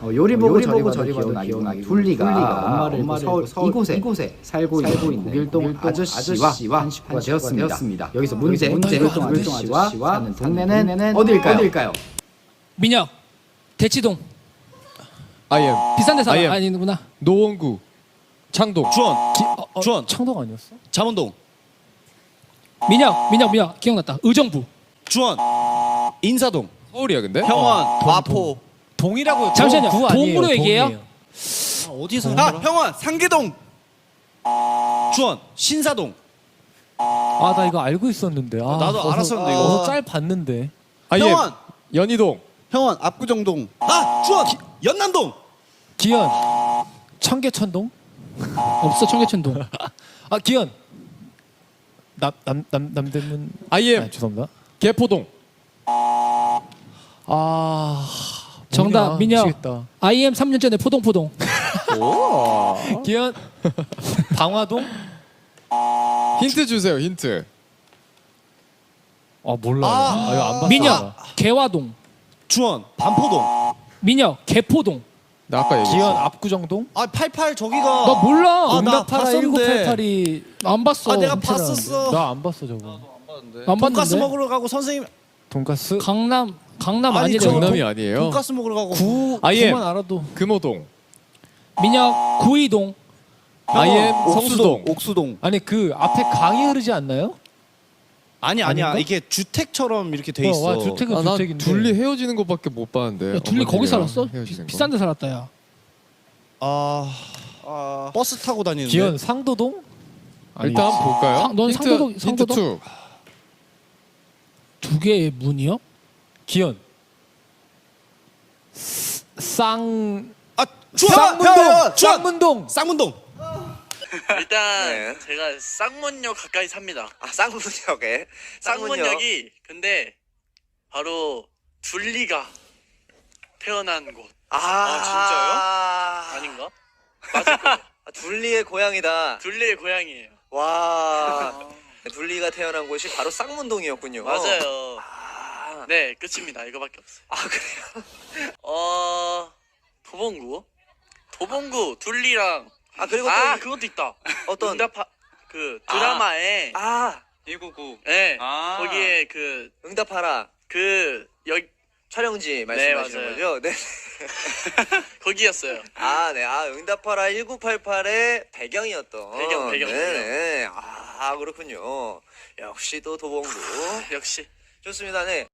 요리 보고 저리 봐도 귀여운 둘리가 엄마를 서울 이곳에 살고 있는 국일동 아저씨와 한식구가 되었습니다. 여기서 문제 국일동 아저씨와 사는 동네는 어딜까요? 민혁 대치동 아이엠 비싼 데 살아. IM. 아니구나. 노원구 창동 주원 창동 아니었어? 잠원동 민혁 기억났다. 의정부. 주원 인사동 서울이야 근데? 평원 마포 동이라고. 잠시만요. 구 아니에요, 동으로 얘기해요? 동이에요. 어디서 평원 상계동 주원 신사동 아, 나 이거 알고 있었는데. 아, 나도 알았었는데, 이거. 어서 짤 봤는데. 아이엠 평원 연희동 평원 압구정동 주원 연남동 기현 청계천동? 없어 청계천동. 아, 기현 남대문. 아이엠 아, 죄송합니다. 개포동 아, 정답 뭐냐, 민혁. 미치겠다. IM 3년 전에 포동포동. 기현 방화동? 힌트 주세요 힌트. 아, 몰라요. 아, 이거 안 봤어. 민혁 개화동. 주원 반포동 민혁 개포동. 나 아까 얘기했어. 기현 압구정동? 아 88 저기가 나 몰라. 아, 나 응답하라 봤었는데. 1988이. 안 봤어. 아 내가 괜찮아. 봤었어 나 안 봤어 저거. 안 돈가스 봤는데. 먹으러 가고 선생님 돈가스? 강남 아니, 아니래. 저 경남이 아니에요. 돈가스 먹으러 가고 아이엠 구만 알아도. 금호동 민혁 구이동. 아이엠 성수동 옥수동 아니 그 앞에 강이 흐르지 않나요? 아니야 아닌가? 이게 주택처럼 이렇게 돼 있어 와, 주택은 아, 난 주택인데. 둘리 헤어지는 것밖에 못 봤는데. 야, 둘리 거기 어머님이랑 살았어? 헤어지는 거. 비싼 데 살았다 야. 버스 타고 다니는데 기현 상도동? 일단 한번 볼까요? 넌 힌트, 상도동- 힌트 상도동? 2. 두 개의 문이요? 기현 쌍 주원 쌍문동 쌍문동 일단 제가 쌍문역 가까이 삽니다. 아, 쌍문역에 쌍문역이 근데 바로 둘리가 태어난 곳 아, 아닌가? 맞을 거예요. 둘리의 고향이다. 둘리의 고향이에요. 와, 둘리가 태어난 곳이 바로 쌍문동이었군요. 맞아요. 아, 네, 끝입니다. 이거밖에 없어요. 아 그래요? 도봉구 둘리랑 그리고 또 그것도 있다. 어떤 응답하 그 드라마에 199 네 거기에 응답하라 여기 촬영지 말씀하시는 맞아요. 거죠? 네. 거기였어요. 네. 응답하라 1988의 배경이었던. 배경. 네. 그렇군요. 역시 또 도봉구. 역시. 좋습니다. 네.